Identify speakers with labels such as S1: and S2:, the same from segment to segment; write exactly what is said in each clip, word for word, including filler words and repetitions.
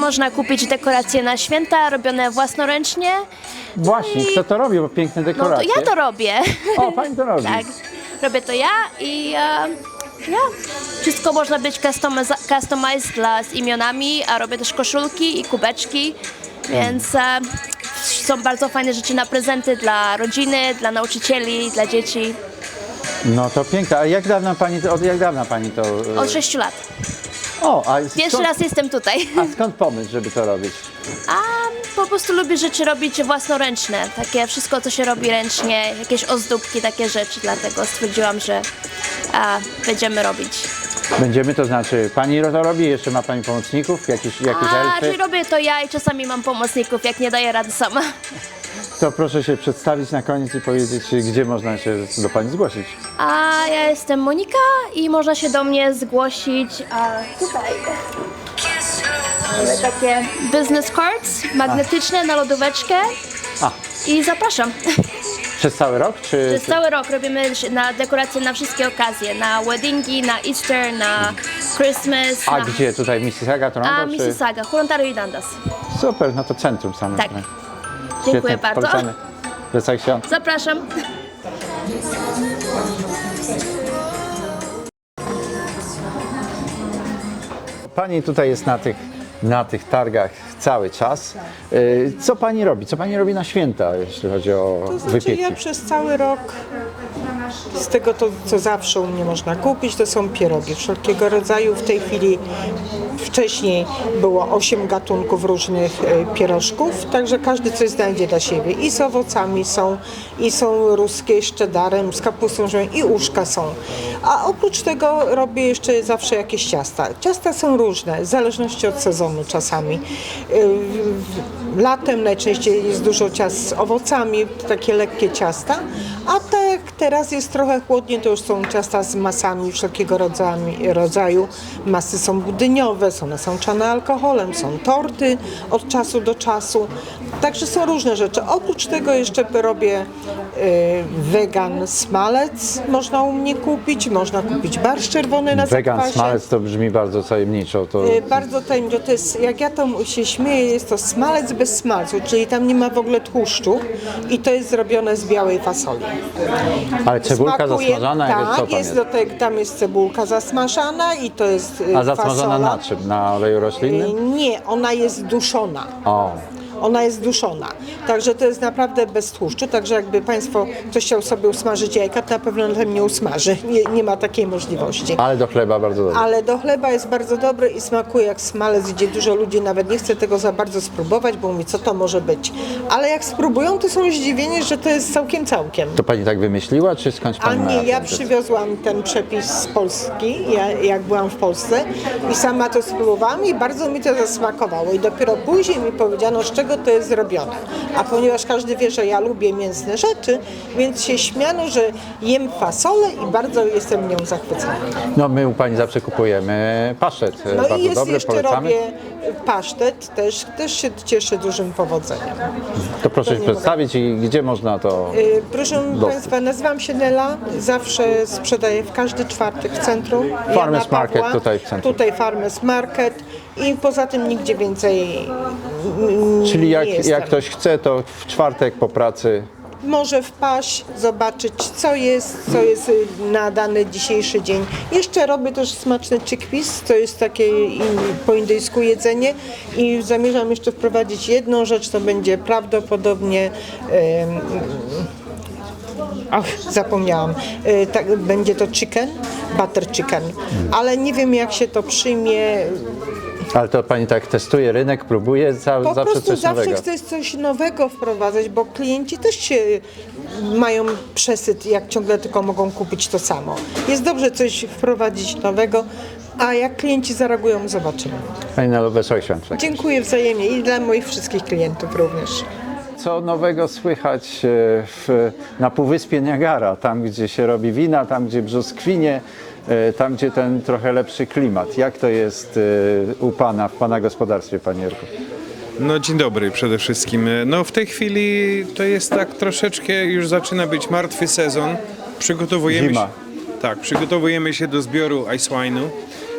S1: można kupić dekoracje na święta robione własnoręcznie.
S2: Właśnie,
S1: I-
S2: kto to robi, bo piękne
S1: No to
S2: dekoracje.
S1: ja to robię.
S2: O, pani to robi.
S1: Tak, robię to ja i e, ja. Wszystko można być customiz- customized dla, z imionami, a robię też koszulki i kubeczki, więc e, są bardzo fajne rzeczy na prezenty dla rodziny, dla nauczycieli, dla dzieci.
S2: No to piękne. A jak dawno pani to, od jak dawna pani to... e,
S1: Od sześciu lat.
S2: O, a
S1: Pierwszy
S2: skąd,
S1: raz jestem tutaj.
S2: a skąd pomysł, żeby to robić?
S1: A po prostu lubię rzeczy robić własnoręczne. Takie wszystko, co się robi ręcznie, jakieś ozdóbki, takie rzeczy. Dlatego stwierdziłam, że a, będziemy robić.
S2: Będziemy, to znaczy, pani to robi, jeszcze ma pani pomocników, jakieś, jakieś
S1: A,
S2: elfy?
S1: czyli robię to ja i czasami mam pomocników, jak nie daję rady sama.
S2: To proszę się przedstawić na koniec i powiedzieć, gdzie można się do pani zgłosić.
S1: A ja jestem Monika i można się do mnie zgłosić a, tutaj. Mamy takie business cards magnetyczne na lodóweczkę
S2: A,
S1: i zapraszam.
S2: przez cały rok, czy...
S1: Przez cały rok robimy na dekoracje na wszystkie okazje, na weddingi, na Easter, na Christmas,
S2: A
S1: na...
S2: gdzie? Tutaj Mississauga, Toronto?
S1: A
S2: czy...
S1: Mississauga, Hurontario i Dundas.
S2: Super, no to centrum same.
S1: Tak.
S2: Świetnie,
S1: Dziękuję bardzo.
S2: polecamy. Wesołych świąt.
S1: Zapraszam.
S2: Pani tutaj jest na tych, na tych targach cały czas. Y, Co pani robi? Co pani robi na święta, jeśli chodzi o
S3: To znaczy
S2: wypieki?
S3: ja przez cały rok, z tego to, co zawsze u mnie można kupić, to są pierogi wszelkiego rodzaju. W tej chwili, wcześniej było osiem gatunków różnych e, pierożków, także każdy coś znajdzie dla siebie. I z owocami są, i są ruskie z cheddarem, z kapustą żoną, i uszka są. A oprócz tego robię jeszcze zawsze jakieś ciasta. Ciasta są różne, w zależności od sezonu czasami. Yy, Latem najczęściej jest dużo ciast z owocami, takie lekkie ciasta, a tak teraz jest trochę chłodniej, to już są ciasta z masami wszelkiego rodzaju, rodzaju. Masy są budyniowe, są nasączane alkoholem, są torty od czasu do czasu. Także są różne rzeczy. Oprócz tego jeszcze robię yy, wegan smalec, można u mnie kupić, można kupić barszcz czerwony na
S2: Wegan
S3: zakwasie.
S2: smalec to brzmi bardzo tajemniczo. To...
S3: Y, Bardzo tajemniczo, to jest, jak ja to się śmieję, jest to smalec bez smalcu, czyli tam nie ma w ogóle tłuszczu i to jest zrobione z białej fasoli.
S2: Ale cebulka zasmażana, jak
S3: tak,
S2: co tam
S3: jest
S2: jest?
S3: do tego, tam jest cebulka zasmażana i to jest y,
S2: A zasmażana
S3: fasola.
S2: na czym? Na oleju
S3: Y,
S2: roślinnym?
S3: Nie, ona jest duszona.
S2: O,
S3: Ona jest duszona. Także to jest naprawdę bez tłuszczu. Także jakby Państwo ktoś chciał sobie usmażyć jajka, to na pewno na tym nie usmaży. Nie, nie ma takiej możliwości.
S2: ale do chleba bardzo dobrze.
S3: Ale do chleba jest bardzo dobry i smakuje jak smalec, gdzie dużo ludzi nawet nie chce tego za bardzo spróbować, bo mówi, co to może być. Ale jak spróbują, to są zdziwieni, że to jest całkiem całkiem.
S2: To pani tak wymyśliła, czy skądś
S3: A
S2: pani ma
S3: nie, ja
S2: ten-
S3: przywiozłam ten przepis z Polski, ja, jak byłam w Polsce i sama to spróbowałam i bardzo mi to zasmakowało. I dopiero później mi powiedziano, z czego to jest zrobione. A ponieważ każdy wie, że ja lubię mięsne rzeczy, więc się śmiano, że jem fasolę i bardzo jestem nią zachwycona.
S2: No my u pani zawsze kupujemy pasztet.
S3: No
S2: bardzo
S3: i jest
S2: dobry,
S3: jeszcze
S2: polecamy.
S3: robię pasztet, też, też się cieszy dużym powodzeniem.
S2: To proszę się
S3: nie
S2: przedstawić i gdzie można to...
S3: Y, Proszę
S2: Dosyć.
S3: Państwa, nazywam się Nela, zawsze sprzedaję w każdy czwartek w centrum.
S2: Farmers
S3: Jana
S2: Market
S3: Pawła,
S2: tutaj w centrum.
S3: Tutaj Farmers Market i poza tym nigdzie więcej mm,
S2: Czyli jak,
S3: nie jestem.
S2: jak ktoś chce, to w czwartek po pracy
S3: Może wpaść, zobaczyć co jest, co jest y, na dany dzisiejszy dzień. Jeszcze robię też smaczny chickpeas, to jest takie in, po indyjsku jedzenie i zamierzam jeszcze wprowadzić jedną rzecz, to będzie prawdopodobnie em, Ach, zapomniałam. Y, tak, będzie to chicken, butter chicken, ale nie wiem jak się to przyjmie.
S2: Ale to pani tak testuje rynek, próbuje za,
S3: Po
S2: zawsze
S3: prostu
S2: coś
S3: zawsze
S2: nowego.
S3: chcesz coś nowego wprowadzać, bo klienci też się mają przesyt, jak ciągle tylko mogą kupić to samo. Jest dobrze coś wprowadzić nowego, a jak klienci zareagują, zobaczymy.
S2: Pani Nelo, wesołych świąt.
S3: Dziękuję wzajemnie i dla moich wszystkich klientów również.
S2: Co nowego słychać e, w, na Półwyspie Niagara, tam gdzie się robi wina, tam gdzie brzoskwinie, e, tam gdzie ten trochę lepszy klimat. Jak to jest e, u pana, w pana gospodarstwie, panie Jarku?
S4: No dzień dobry przede wszystkim. No w tej chwili to jest tak troszeczkę, już zaczyna być martwy sezon. Przygotowujemy
S2: Zima.
S4: się, tak, przygotowujemy się do zbioru ice wine'u.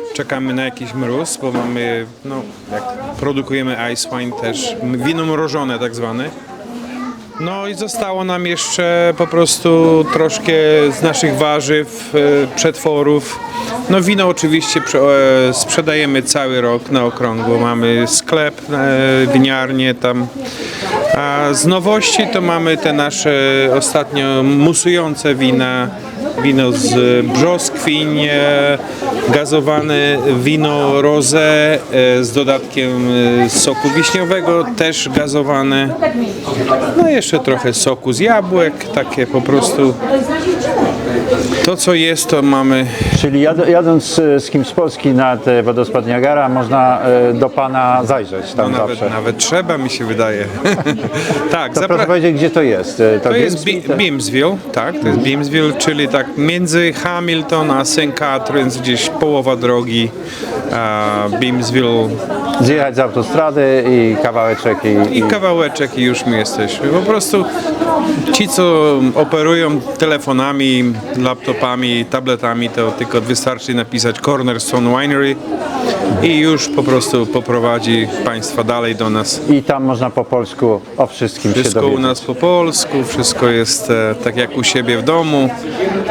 S4: czekamy na jakiś mróz, bo mamy, no, jak produkujemy ice wine też, wino mrożone tak zwane. No i zostało nam jeszcze po prostu troszkę z naszych warzyw, e, przetworów. No wino oczywiście prze- e, sprzedajemy cały rok na okrągło. Mamy sklep, e, winiarnię tam. A z nowości to mamy te nasze ostatnio musujące wina. Wino z brzoskwiń, e, gazowane wino rosé e, z dodatkiem e, soku wiśniowego, też gazowane. No i jeszcze trochę soku z jabłek, takie po prostu. To co jest, to mamy.
S2: Czyli jad, jadąc e, z kimś z Polski nad e, wodospad Niagara, można e, do Pana zajrzeć tam
S4: No nawet,
S2: zawsze.
S4: nawet trzeba, mi się wydaje. Tak,
S2: To
S4: zapra-
S2: proszę powiedzieć, gdzie to jest? E,
S4: To jest
S2: Grimsby,
S4: Bi- Beamsville, tak, to jest Beamsville, czyli tak między Hamilton a saint Catharines, gdzieś połowa drogi. A Beamsville
S2: Zjechać z autostrady i kawałeczek i,
S4: i kawałeczek i już my jesteśmy. Po prostu ci, co operują telefonami, laptopami, tabletami, to tylko wystarczy napisać Cornerstone Winery i już po prostu poprowadzi Państwa dalej do nas.
S2: i tam można po polsku o wszystkim się
S4: Wszystko
S2: dowiedzieć.
S4: u nas po polsku, wszystko jest e, tak jak u siebie w domu. Em,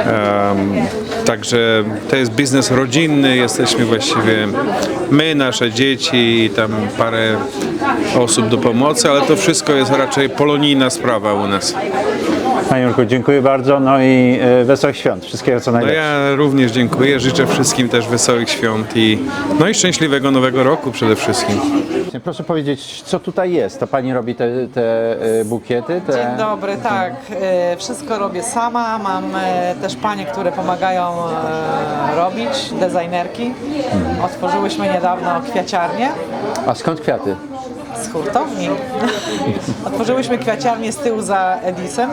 S4: także to jest biznes rodzinny, jesteśmy właściwie my, nasze dzieci i tam parę osób do pomocy, ale to wszystko jest raczej polonijna sprawa u nas.
S2: Panie Jurku, dziękuję bardzo, no i e, wesołych świąt, wszystkiego co
S4: No
S2: najlepsze.
S4: ja również dziękuję, życzę wszystkim też wesołych świąt i no i szczęśliwego nowego roku przede wszystkim.
S2: Proszę powiedzieć, co tutaj jest? To Pani robi te, te e, bukiety? Te...
S5: Dzień dobry, tak. E, Wszystko robię sama. Mam e, też panie, które pomagają e, robić, designerki. Otworzyłyśmy niedawno kwiaciarnię
S2: A skąd kwiaty?
S5: z hurtowni. Otworzyłyśmy kwiaciarnię z tyłu za Edisem.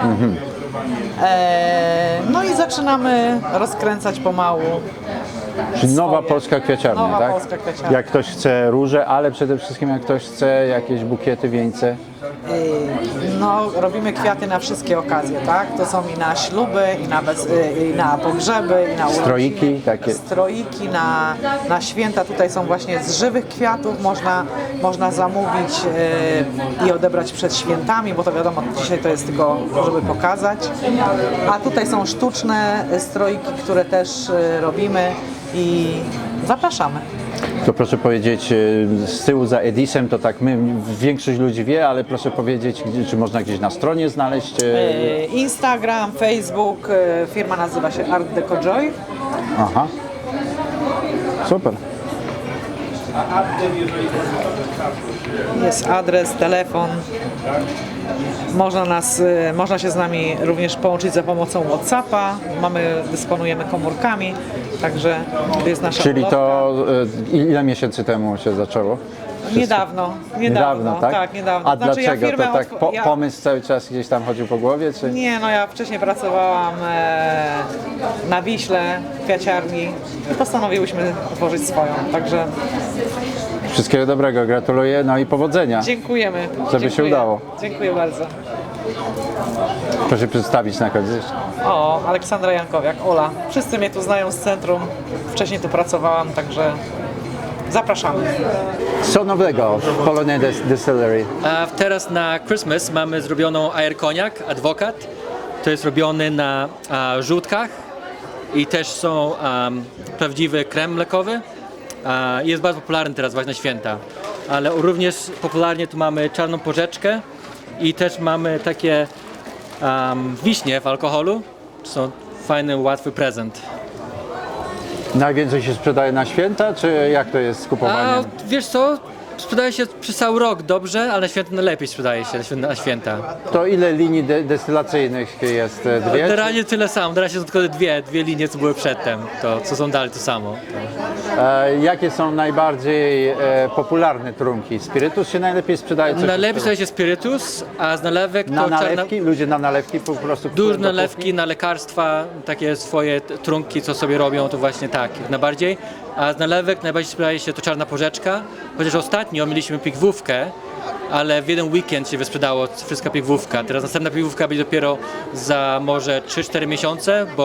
S5: E, No i zaczynamy rozkręcać pomału.
S2: Czyli nowa
S5: Swoje.
S2: polska kwiaciarnia,
S5: Nowa
S2: tak?
S5: polska kwiaciarnia.
S2: Jak ktoś chce róże, ale przede wszystkim jak ktoś chce jakieś bukiety, wieńce.
S5: E, No, robimy kwiaty na wszystkie okazje, tak? To są i na śluby, i na, bez, e, i na pogrzeby, i na urodziny.
S2: Stroiki takie.
S5: Stroiki na, na święta. Tutaj są właśnie z żywych kwiatów. Można, można zamówić e, i odebrać przed świętami, bo to wiadomo, dzisiaj to jest tylko, żeby pokazać. A tutaj są sztuczne stroiki, które też e, robimy i zapraszamy.
S2: To proszę powiedzieć, e, z tyłu za Edisem, to tak my, większość ludzi wie, ale proszę powiedzieć, gdzie- czy można gdzieś na stronie znaleźć? e,
S5: E, Instagram, Facebook, e, firma nazywa się Art Deco Joy.
S2: Aha. Super.
S5: Jest adres, telefon. Można, nas, y, można się z nami również połączyć za pomocą WhatsAppa. Mamy, dysponujemy komórkami, także to jest nasza
S2: Czyli
S5: ulotka.
S2: to e, ile miesięcy temu się zaczęło?
S5: Niedawno, niedawno,
S2: tak?
S5: tak, niedawno.
S2: A
S5: Znaczy, ja
S2: dlaczego?
S5: firmę
S2: to tak
S5: otw-
S2: po,
S5: ja-
S2: pomysł cały czas gdzieś tam chodził po głowie, czy?
S5: Nie, no ja wcześniej pracowałam e, na Wiśle, w kwiaciarni i postanowiłyśmy otworzyć swoją, także
S2: Wszystkiego dobrego, gratuluję, no i powodzenia.
S5: dziękujemy.
S2: Żeby się
S5: Dziękuję.
S2: udało.
S5: Dziękuję bardzo.
S2: Proszę przedstawić na koniec.
S5: O, Aleksandra Jankowiak, Ola. Wszyscy mnie tu znają z centrum. Wcześniej tu pracowałam, także zapraszamy.
S2: Co nowego w Polonia Dis- Distillery?
S6: A teraz na Christmas mamy zrobioną Air Cognac Advocat. To jest robiony na a, żółtkach i też są um, prawdziwy krem mlekowy. A, jest bardzo popularny teraz właśnie na święta. Ale również popularnie tu mamy czarną porzeczkę i też mamy takie um, wiśnie w alkoholu. To są fajny, łatwy prezent.
S2: Najwięcej się sprzedaje na święta, czy jak to jest z
S6: A
S2: kupowaniem?
S6: wiesz co? Sprzedaje się przez cały rok dobrze, ale na święta najlepiej sprzedaje się na świę- na święta.
S2: To ile linii de- destylacyjnych jest? E, Dwie? czy-
S6: Generalnie tyle samo. Teraz są tylko dwie, dwie linie, co były przedtem. To co są dalej to samo.
S2: E, jakie są najbardziej e, popularne trunki? Spirytus się najlepiej sprzedaje? Co się
S6: Najlepiej
S2: sprzedaje?
S6: sprzedaje się spirytus, a z nalewek
S2: Na
S6: to czarna...
S2: nalewki? Ludzie na nalewki po prostu
S6: Duże
S2: kupują do
S6: nalewki
S2: kuchni?
S6: na lekarstwa, takie swoje t- trunki, co sobie robią, to właśnie tak, jak najbardziej. A z nalewek najbardziej sprzedaje się to czarna porzeczka, chociaż ostatnio mieliśmy pigwówkę, ale w jeden weekend się wysprzedało wszystka pigwówka. Teraz następna pigwówka będzie dopiero za może trzy cztery miesiące, bo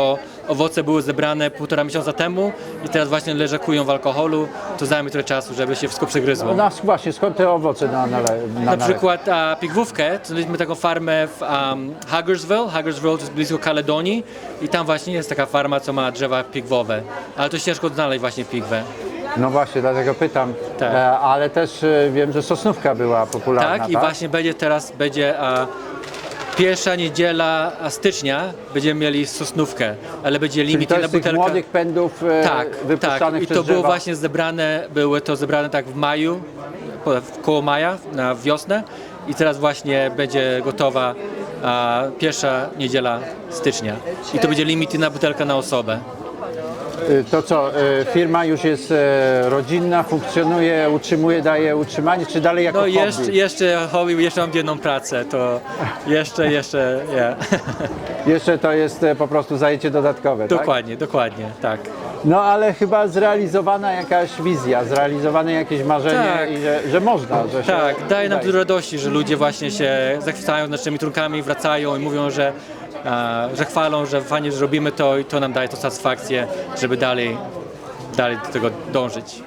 S6: owoce były zebrane półtora miesiąca temu i teraz właśnie leżakują w alkoholu, to zajmie trochę czasu, żeby się wszystko przegryzło.
S2: No właśnie, skąd te owoce na, na, na,
S6: Na przykład a, pigwówkę, to mieliśmy taką farmę w um, Hagersville, Hagersville to jest blisko Kaledonii i tam właśnie jest taka farma, co ma drzewa pigwowe, ale to ciężko znaleźć właśnie pigwę.
S2: No właśnie, dlatego pytam.
S6: Tak.
S2: E, ale też e, wiem, że sosnówka była popularna,
S6: Tak,
S2: tak?
S6: i właśnie będzie teraz, będzie a, pierwsza niedziela stycznia, będziemy mieli sosnówkę, ale będzie
S2: Czyli
S6: limit
S2: to
S6: na
S2: jest tych
S6: butelkę.
S2: młodych pędów e,
S6: Tak,
S2: wypuszczanych
S6: tak. I
S2: przez
S6: to było
S2: drzewa.
S6: właśnie zebrane, były to zebrane tak w maju, po- w- koło maja, na wiosnę i teraz właśnie będzie gotowa a, pierwsza niedziela stycznia. I to będzie limit na butelkę na osobę.
S2: E, To co, e, firma już jest e, rodzinna, funkcjonuje, utrzymuje, daje utrzymanie, czy dalej jako
S6: No
S2: hobby?
S6: jeszcze, jeszcze hobby, jeszcze mam jedną pracę, to jeszcze, jeszcze, yeah.
S2: Jeszcze to jest e, po prostu zajęcie dodatkowe, tak?
S6: Dokładnie, dokładnie, tak.
S2: No ale chyba zrealizowana jakaś wizja, zrealizowane jakieś marzenie
S6: Tak.
S2: i że, że można, że się
S6: Tak, daje nam
S2: udaje.
S6: dużo radości, że ludzie właśnie się zachwycają naszymi trunkami, wracają i mówią, że, a, że chwalą, że fajnie, że robimy to i to nam daje to satysfakcję, żeby dalej, dalej do tego dążyć.